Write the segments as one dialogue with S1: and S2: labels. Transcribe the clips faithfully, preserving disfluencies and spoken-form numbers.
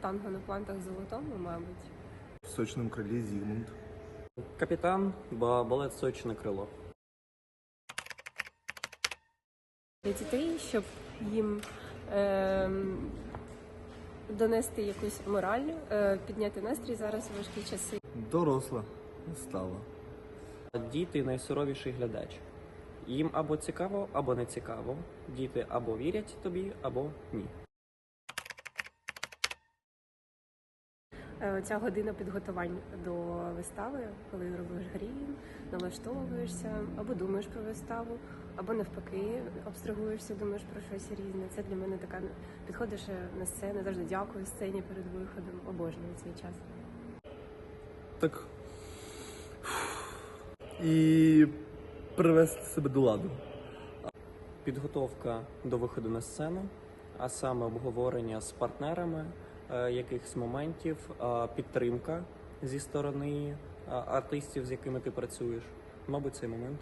S1: танго на пуантах золотому, мабуть.
S2: В сочному крилі Зігмунд.
S3: Капітан, ба- балет Сочне крило.
S1: Для дітей, щоб їм е, донести якусь мораль, е, підняти настрій зараз у важкі часи.
S2: Доросла вистава.
S3: Діти найсуровіший глядач. Їм або цікаво, або не цікаво. Діти або вірять тобі, або ні.
S1: Е, Ця година підготувань до вистави, коли робиш грім, налаштовуєшся, або думаєш про виставу, або навпаки абстрагуєшся, думаєш про щось різне. Це для мене така, підходиш на сцену, завжди дякую сцені перед виходом, обожнюю цей час.
S2: Так. І привести себе до ладу.
S3: Підготовка до виходу на сцену, а саме обговорення з партнерами е, якихось моментів, е, підтримка зі сторони е, артистів, з якими ти працюєш. Мабуть, цей момент.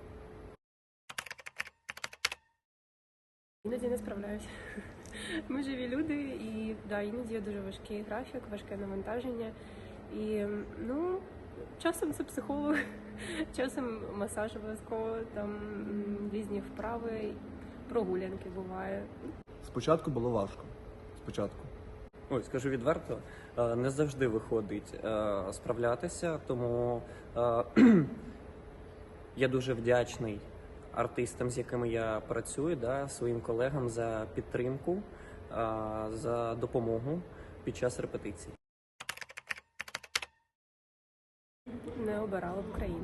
S1: Іноді не справляюся. Ми живі люди, і да, іноді є дуже важкий графік, важке навантаження. І ну, часом це психолог, часом масаж обов'язково, там м, різні вправи, прогулянки буває.
S2: Спочатку було важко. Спочатку.
S3: Ой, скажу відверто, е, не завжди виходить е, справлятися, тому е, я дуже вдячний артистам, з якими я працюю, да, своїм колегам за підтримку, е, за допомогу під час репетицій.
S1: Не обирала б Україну.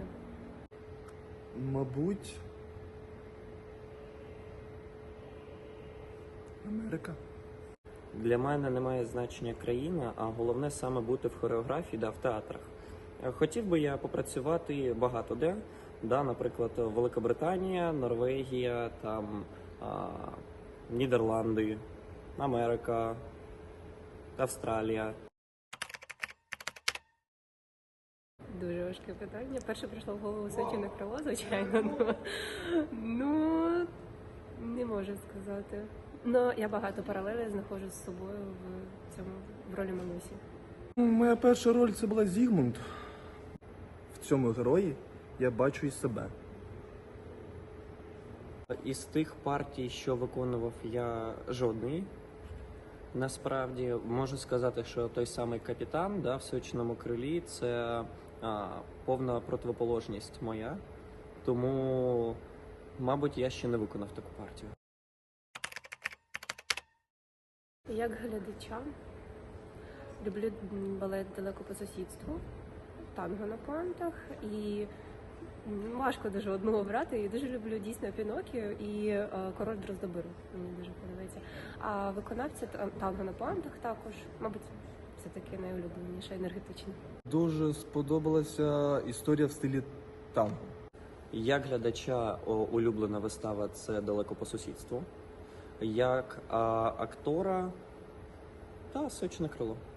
S2: Мабуть. Америка.
S3: Для мене немає значення країна, а головне саме бути в хореографії, да, в театрах. Е, Хотів би я попрацювати багато де, да, наприклад, Великобританія, Норвегія, там, а, Нідерланди, Америка, Австралія.
S1: Дуже важке питання. Перше прийшло в голову Сочине крило, звичайно. Ну, ну не можу сказати. Ну, я багато паралелей знаходжу з собою в цьому в ролі Манусі.
S2: Моя перша роль це була Зігмунд. В цьому герої я бачу і себе.
S3: Із тих партій, що виконував я, жодної. Насправді можу сказати, що той самий капітан, да, в Сочному крилі це а, повна противоположність моя. Тому, мабуть, я ще не виконав таку партію.
S1: Як глядача люблю балет «Далеко по сусідству», танго на пуантах, і м, важко дуже одного обрати. І дуже люблю дійсно Пінокіо і е, Король Дроздобиру. Мені дуже подобається. А виконавця та- танго на пуантах також, мабуть, це таке найулюбленіше, енергетичне.
S2: Дуже сподобалася історія в стилі танго.
S3: Як глядача о, улюблена вистава це «Далеко по сусідству». Як а, актора та Сочне крило.